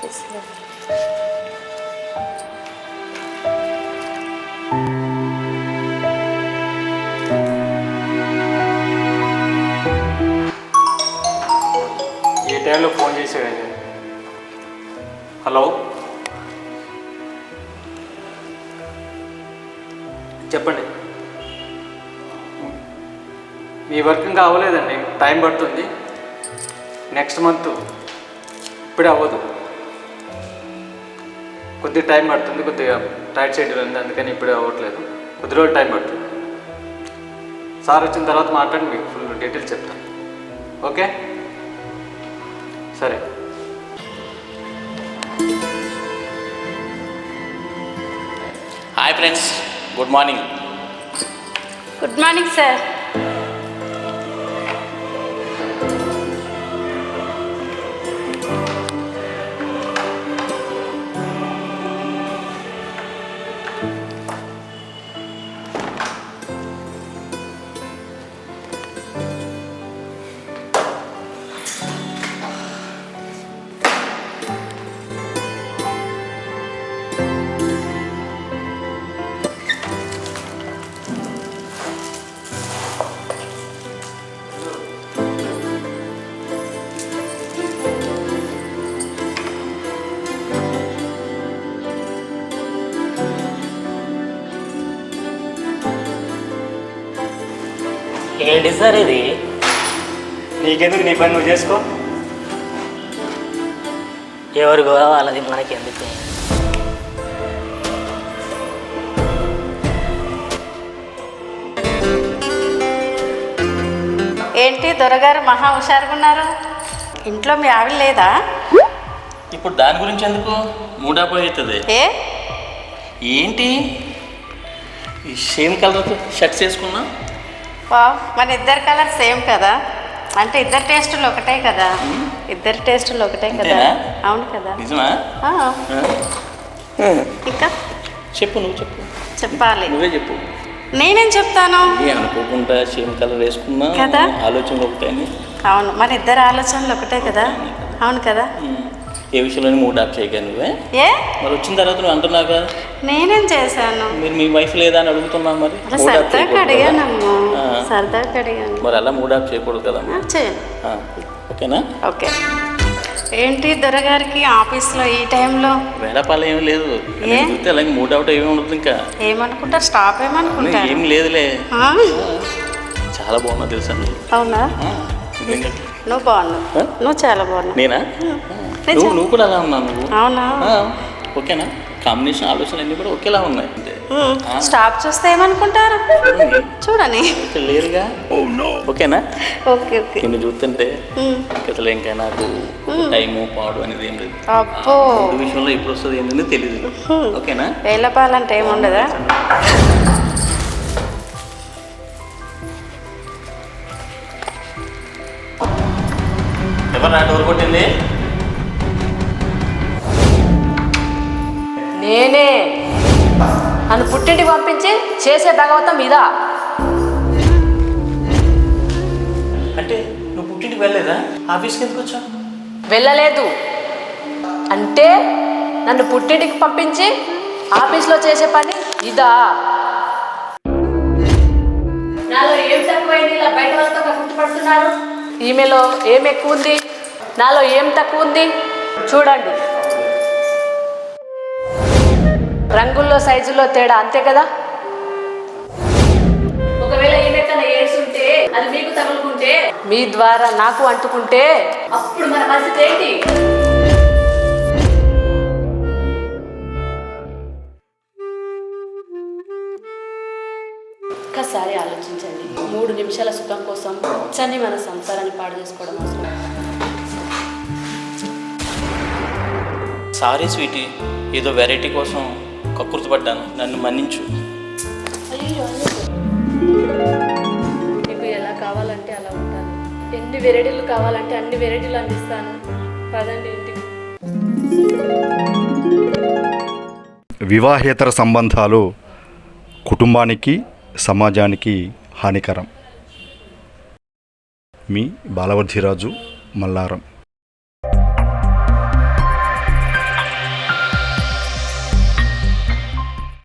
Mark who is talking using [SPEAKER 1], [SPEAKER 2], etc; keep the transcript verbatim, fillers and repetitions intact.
[SPEAKER 1] ఆఫీస్లో
[SPEAKER 2] ఏ టైంలో ఫోన్ చేసాడు? హలో, చెప్పండి. మీ వర్క్ ఇంకా అవ్వలేదండి, టైం పడుతుంది. నెక్స్ట్ మంత్, ఇప్పుడే అవ్వదు, కొద్దిగా టైం పడుతుంది. కొద్దిగా టైట్ షెడ్యూల్ ఉంది, అందుకని ఇప్పుడే అవ్వట్లేదు. కొద్ది రోజులు టైం పడుతుంది. సార్ వచ్చిన తర్వాత మాట్లాడి మీకు ఫుల్ డీటెయిల్స్ చెప్తాను. ఓకే, సరే.
[SPEAKER 3] Hi friends, good morning.
[SPEAKER 1] Good morning sir.
[SPEAKER 3] ఏంటి సార్ ఇది?
[SPEAKER 2] నీకెందుకు, నీ పని నువ్వు చేసుకో.
[SPEAKER 3] ఎవరు వాళ్ళది మనకెందుకు?
[SPEAKER 1] ఏంటి దొరగారు మహా హుషారుగా ఉన్నారు? ఇంట్లో మీ ఆవిడ లేదా?
[SPEAKER 3] ఇప్పుడు దాని గురించి ఎందుకు మూడాపోయి అవుతుంది?
[SPEAKER 1] ఏ
[SPEAKER 3] ఏంటి ఈ సేమ్ కలర్ షర్ట్స్ వేసుకున్నా?
[SPEAKER 1] వావ్, మన ఇద్దరు కలర్ సేమ్ కదా. అంటే ఇద్దరు టేస్టులు ఒకటే కదా. ఇద్దరు టేస్టులు ఒకటే కదా. అవును కదా.
[SPEAKER 3] నిజమా?
[SPEAKER 1] ఇంకా
[SPEAKER 3] చెప్పు, నువ్వు చెప్పు.
[SPEAKER 1] చెప్పాలి,
[SPEAKER 3] నువ్వే చెప్పు.
[SPEAKER 1] నేనేం చెప్తాను?
[SPEAKER 3] అనుకోకుండా సేమ్ కలర్ వేసుకున్నా
[SPEAKER 1] కదా,
[SPEAKER 3] ఆలోచనలు ఒకటే.
[SPEAKER 1] అవును, మన ఇద్దరు ఆలోచనలు ఒకటే కదా. అవును కదా.
[SPEAKER 3] ఏ విషయంలో మూడ్ ఆఫ్ చేయగా నువ్వే?
[SPEAKER 1] ఏ
[SPEAKER 3] మరి వచ్చిన తర్వాత నువ్వు అంటున్నాగా
[SPEAKER 1] నేనేం చేశాను?
[SPEAKER 3] మీరు మీ వైఫ్ లేదా అని అడుగుతున్నా. మరి
[SPEAKER 1] సరదాగా అడిగానమ్మా, సరదాగా అడిగాను.
[SPEAKER 3] మరి అలా మూడ్ ఆఫ్ చేయకూడదు కదా.
[SPEAKER 1] చేయను.
[SPEAKER 3] ఓకేనా?
[SPEAKER 1] ఓకే. ఏంటి దొరగారికి ఆఫీస్లో ఈ టైంలో
[SPEAKER 3] వేళపాలు ఏమీ లేదు. చూస్తే అలాగే మూడ్ అవుట్ ఏమి ఉండదు. ఇంకా
[SPEAKER 1] ఏమనుకుంటారు? స్టాప్ ఏమనుకుంటారు?
[SPEAKER 3] ఏం లేదులే, చాలా బాగున్నా తెలుసా నువ్వు.
[SPEAKER 1] అవునా? నువ్వు బాగున్నావు, నువ్వు చాలా బాగున్నావు.
[SPEAKER 3] నేనా? నువ్వు నువ్వు కూడా అలా ఉన్నావు నువ్వు.
[SPEAKER 1] అవునా?
[SPEAKER 3] ఓకేనా? కాంబినేషన్ ఆలోచనలు అన్నీ కూడా ఒకేలా ఉన్నాయి.
[SPEAKER 1] స్టాప్ చూస్తే ఏమనుకుంటారు? చూడని
[SPEAKER 3] లేరుగా. ఓకేనా?
[SPEAKER 1] Okay okay.
[SPEAKER 3] నిన్ను చూస్తుంటే అసలు ఇంకా నాకు టైము పాడు అనేది ఏం లేదు.
[SPEAKER 1] అబ్బో,
[SPEAKER 3] విషయంలో ఎప్పుడు వస్తుంది ఏంటని తెలియదు. ఓకేనా?
[SPEAKER 1] వేలపాలంటే ఏముండదా?
[SPEAKER 3] ఎవరు నా డోర్ కొట్టింది?
[SPEAKER 4] నేనే. నన్ను పుట్టింటికి పంపించి చేసే భగవతం ఇదా?
[SPEAKER 3] అంటే నువ్వు పుట్టింటికి వెళ్ళలేదా? ఆఫీస్కి ఎందుకు వచ్చావు?
[SPEAKER 4] వెళ్ళలేదు అంటే నన్ను పుట్టింటికి పంపించి ఆఫీస్లో చేసే పని ఇదా? నాలో ఏం తక్కువైంది ఇలా బయట వాళ్ళతో గుర్తుపడుతున్నారు? ఈమెలో ఏం ఎక్కువ ఉంది, నాలో ఏం తక్కువ ఉంది చూడండి. రంగుల్లో సైజుల్లో తేడా, అంతే కదా. ఒకవేళ ఈమె కన్నా ఏడ్చుంటే అది మీకు తగులుకుంటే, మీ ద్వారా నాకు అంటుకుంటే అప్పుడు మన పరిస్థితి ఏంటి? ఒక్కసారి ఆలోచించండి. మూడు నిమిషాల సుఖం కోసం చని మన సంసారాన్ని పాడు చేసుకోవడం అవసరం.
[SPEAKER 3] సారీ స్వీటీ, ఏదో వెరైటీ కోసం కక్కుర్తిపడ్డాను, నన్ను మన్నించు.
[SPEAKER 4] అయ్యో, మీకు ఎలా కావాలంటే అలా ఉంటాను. ఎన్ని వెరైటీలు కావాలంటే అన్ని వెరైటీలు అందిస్తాను. పదండి ఇంటికి.
[SPEAKER 5] వివాహేతర సంబంధాలు కుటుంబానికి, సమాజానికి హానికరం. మీ బాలవర్ధిరాజు, మల్లారం.